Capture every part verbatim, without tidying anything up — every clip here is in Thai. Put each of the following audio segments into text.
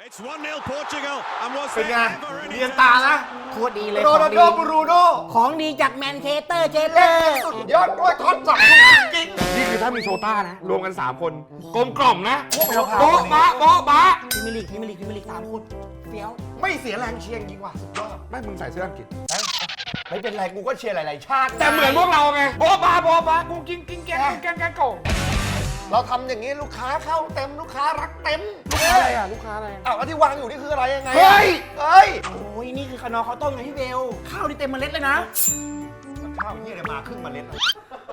เป็นไงเรียนตานะโคตรดีเลยโรของนัลดีโดบรูโน่ของดีจากแมนเชสเตอร์เชสเตอร์สุดยอดด้วยทอดจับจริงนี่คือถ้ามีโชต้านะ รวมกัน สาม คนกลมกล่อมนะโบ๊ะบะโบ๊ะบะพรีเมียร์ลีกพรีเมียร์ลีกพรีเมียร์ลีกสามคนเฟี้ยวไม่เสียแรงเชียร์จริงว่ะสุดยอดไม่มึงใส่เสื้ออังกฤษไม่เป็นไรกูก็เชียร์หลายๆชาติแต่เหมือนพวกเราไงโบ๊ะบ้าโบ๊ะบ้ากูกินกินแกงแกงแกงโก่งเราทำอย่างนี้ลูกค้าเข้าเต็มลูกค้ารักเต็มลูกค้าอะไรอ่ะลูกค้าอะไรอ้าวแล้วที่วางอยู่นี่คืออะไรยังไงเฮ้ยเฮ้ยโอ้ยนี่คือขนอข้าวต้มไงพี่เบลข้าวนี่เต็มเมล็ดเลยนะข้าวนี่เลยมาครึ่งเมล็ดอะ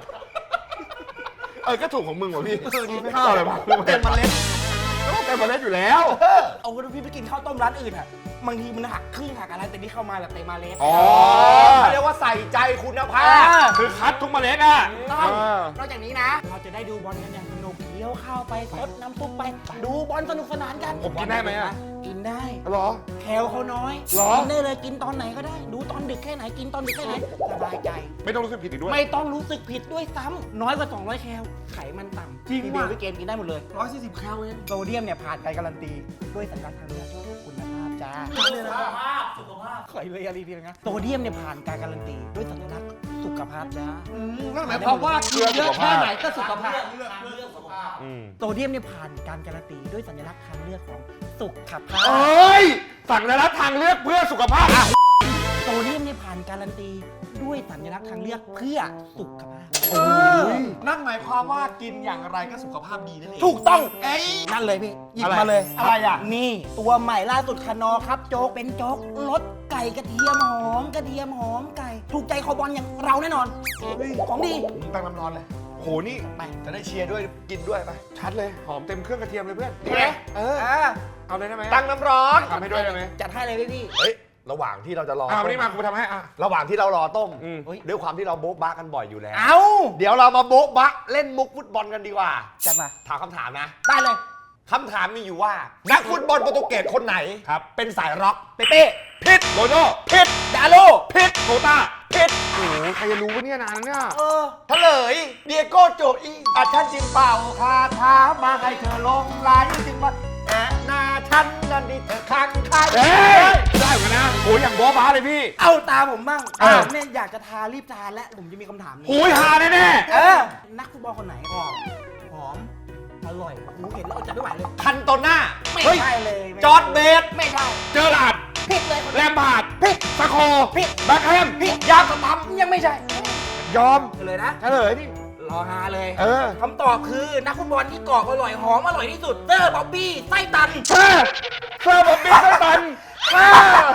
เออก็ถูกของมึงว่ะพี่ข้าวอะไรวะเต็มเมล็ดเต็มเมล็ดอยู่แล้วเอาคุณพี่ไปกินข้าวต้มร้านอื่นอ่ะบางทีมันหักครึ่งหักอะไรแต่นี่เข้ามาแบบเต็มเมล็ดอ๋อเขาเรียกว่าใส่ใจคุณภาอ่าพคือคัดทุกเมล็ดอ่ะต้องเออนอกจากนี้นะ เราจะได้ดูบอลกันอย่างสนุกเคี้ยวข้าวไปซดน้ำซุปไป ดูบอลสนุกสนานกันผมกินได้ไหมอ่ะกินได้เหรอแคลเขาน้อยหรอกินได้เลยกินตอนไหนก็ได้ ดูตอนดึกแค่ไหนกินตอนดึกแค่ไหนสบายใจไม่ต้องรู้สึกผิดอีกด้วยไม่ต้องรู้สึกผิดด้วยซ้ำน้อยกว่า สองร้อย แคลไขมันต่ำจริงพี่เบลว่ะพี่เกมกินได้หมดเลยร้อยสี่สิบแคลเองโซเดียมเนี่ยผ่านการการันตีด้วยสัญลักษณ์ทางเลือกคุณภาพจ้าสุขภาพสุขภาพขอเลยอะไรทีนะโซเดียมเนี่ยผ่านการการันตีด้วยสัญลักษณ์สุขภาพจ้านั่นหมายความว่ากินเยอะแค่ไหนก็สุขภาพอืมโซเดียมเนี่ยผ่านการการันตีด้วยสัญลักษณ์ทางเลือกของสุขภาพเอ้ยสั่งได้รับทางเลือกเพื่อสุขภาพอ่ะโซเดียมเนี่ยผ่านการันตีด้วยสัญลักษณ์ทางเลือกเพื่อสุขภาพเออนั่นหมายความว่ากินอย่างไรก็สุขภาพดีนั่นเองถูกต้องเอ้ยนั่นเลยพี่หยิบอะไรมาเลยอะไรอ่ะนี่ตัวใหม่ล่าสุดคานอครับโจ๊กเป็นโจ๊กรสไก่กระเทียมหอมกระเทียมหอมไก่ ถูกใจคอบอลอย่างเราแน่นอน ของดีผมตั้งน้ำร้อนเลยโหนี่ไปจะได้เชียร์ด้วยกินด้วยไปชัดเลยหอมเต็มเครื่องกระเทียมเลยเพื่อนดีไหมเอออ่าเอาเลยได้ไหมตั้งน้ำร้อนทำให้ด้วยได้ไหมจัดให้เลยพี่พี่เฮ้ยระหว่างที่เราจะรออ่าต้วันมนี้มากูทำให้อ่ะระหว่างที่เรารอต้มอืมเฮ้ยด้วยความที่เราโบ๊ะบะกันบ่อยอยู่แล้วเอาเดี๋ยวเรามาโบ๊ะบะเล่นมุกฟุตบอลกันดีกว่าจัดมาถามคำถามนะได้เลยคำถามมีอยู่ว่า นักฟุตบอลโปรตุเกสคนไหนครับเป็นสายร็อกเปเป้ผิดโรนัลโดผิดดาโลผิดโคต้าผิดโอ้โหใครจะรู้วะเนี่ยนานเนี่ยเออเฉลยเดียโก้โจอีอาฉันจึงเป่าคาถามาให้เธอลงไหลจึงมาแอะหน้าฉันนั่นดิเธอคังใครเอ้ยได้เหมือนกันนะโอ้ยอย่างบอบ้าเลยพี่เอาตาผมบ้างเออผมเนี่ยอยากจะทารีบทาและผมจะมีคำถามหนึงโอ้ยฮาแน่แน่เออนักฟุตบอลคนไหนหอมหอมอร่อยหูเห็นแล้วอดใจไม่ไหวเลยคันโตน่าไม่เฮ้ยใช่เลยไม่จอร์ดเบสไม่ได้ๆเจอร์ลาร์ดผิดเลยคนแลนี้มพาร์ดผิดสโคผิดแบ็คแฮมผิดยาสตัมยังไม่ใช่ยอมเลยนะเฉลยดิรอฮาเลยเออคำตอบคือนักฟุตบอลที่กรอบอร่อยหอมอร่อยที่สุดเตอร์บ๊อบบี้ไส้ตันเซอร์เซอร์บอบบี้ไส้ตันเซอร์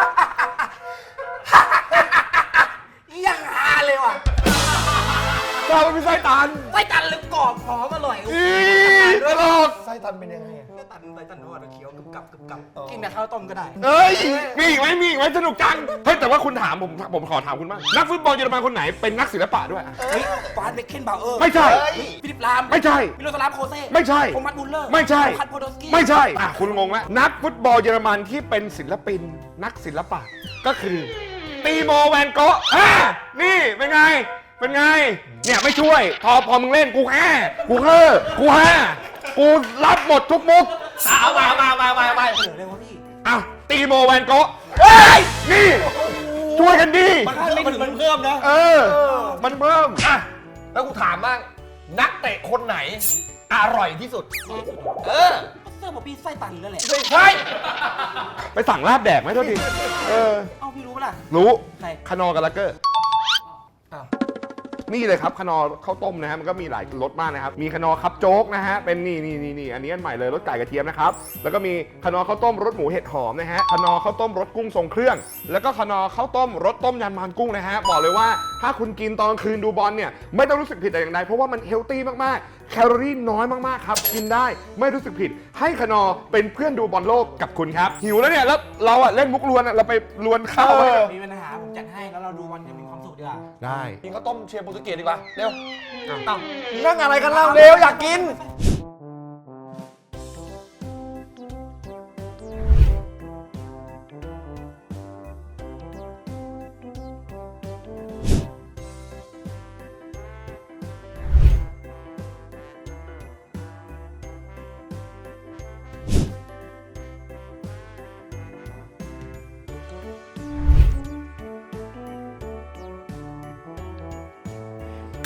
ยังฮาเลยว่ะเซอร์บอบบี้ไส้ตันไส้ตันหรือกรอบหอมอร่อยอีตลกไส้ตันเป็นยังไงอะไส้ตันไส้ตันว่าเคี้ยวกึบกับกึบกับกินกับข้าวต้มก็ได้เอ้ย มีอีกไหมมีอีกไหมสนุกจัง เฮ้ย แต่ว่าคุณถามผม ผมขอถามคุณบ้าง นักฟุตบอลเยอรมันคนไหนเป็นนักศิลปะด้วยเฮ้ยฟาสเบคเคนบาวเออร์ไม่ใช่เฮ้ยฟิลิปลามไม่ใช่มิโลสลาฟโคเซ่ไม่ใช่โทมัสมุลเลอร์ไม่ใช่คัตโพโดสกี้ไม่ใช่ อ่ะ คุณงงไหมนักฟุตบอลเยอรมันที่เป็นศิลปิน นักศิลปะ ก็คือตีโมแวนโกะอ่ะนี่ เป็นไง เป็นไง เนี่ยไม่ช่วย พอพอมึงเล่นกูแห่กูเฮ่อกูแห่กูรับหมดทุกมุกเอามามามามามาเฉลยเลยวะพี่อ้าวตีโมแวนโกะเฮ้ย นี่ ช่วยกันดีมันมันมันเพิ่มนะเออ มันเพิ่มอ่ะแล้วกูถามบ้างนักเตะคนไหน อร่อยที่สุด เออเตอร์บ๊อบบี้ไส้ตันนั่นแหละไม่ใช่ไปสั่งลาบแดกไหมโทษทีเออเอ้าพี่รู้ปะล่ะรู้ใครคานอร์กับลักเกอร์อ้าวนี่เลยครับคานอร์ข้าวต้มนะฮะมันก็มีหลายรสมากนะครับมีคานอร์คับโจ๊กนะฮะเป็นนี่นี่นี่นี่อันนี้อันใหม่เลยรสไก่กระเทียมนะครับแล้วก็มีคานอร์ข้าวต้มรสหมูเห็ดหอมนะฮะคานอร์ข้าวต้มรสกุ้งทรงเครื่อง แล้วก็คานอร์ข้าวต้มรสต้มยำมันกุ้งนะฮะบอกเลยว่าถ้าคุณกินตอนกลางคืนดูบอลเนี่ยไม่ต้องรู้สึกผิดแต่อย่างใดเพราะว่ามันเฮลตี้มากๆแคลอรี่น้อยมากๆครับกินได้ไม่รู้สึกผิดให้คานอร์เป็นเพื่อนดูบอลโลกกับคุณครับหิวแล้วเนี่ยแล้วเราอะเล่นมุกลวนอะเราไปลวนข้าวเออมีปัญหาผมจัดให้แล้วเราดูวันยังมีความสุขดีกว่าได้กินข้าวต้มเชียร์โปรตุเกสดีกว่า เร็วอ่ะเอ้านั่งอะไรกันเล่าเร็ว อยากกิน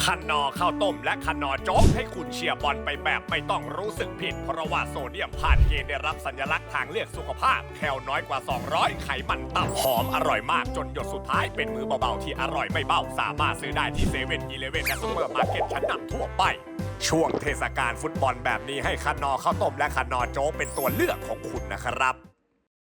คันนอข้าวต้มและคันนอโจ๊กให้คุณเชียร์บอลไปแบบไม่ต้องรู้สึกผิด เพราะว่าโซเดียมผ่านเกณฑ์ได้รับสัญลักษณ์ทางเลือกสุขภาพ แคลน้อยกว่า สองร้อย ไขมันต่ำหอมอร่อยมากจนหยดสุดท้ายเป็นมือเบาๆที่อร่อยไม่เบาสามารถซื้อได้ที่เซเว่นอีเลฟเว่นและซุปเปอร์มาร์เก็ตชั้นนำทั่วไป ช่วงเทศกาลฟุตบอลแบบนี้ให้คันนอข้าวต้มและคันนอโจ๊กเป็นตัวเลือกของคุณนะครับ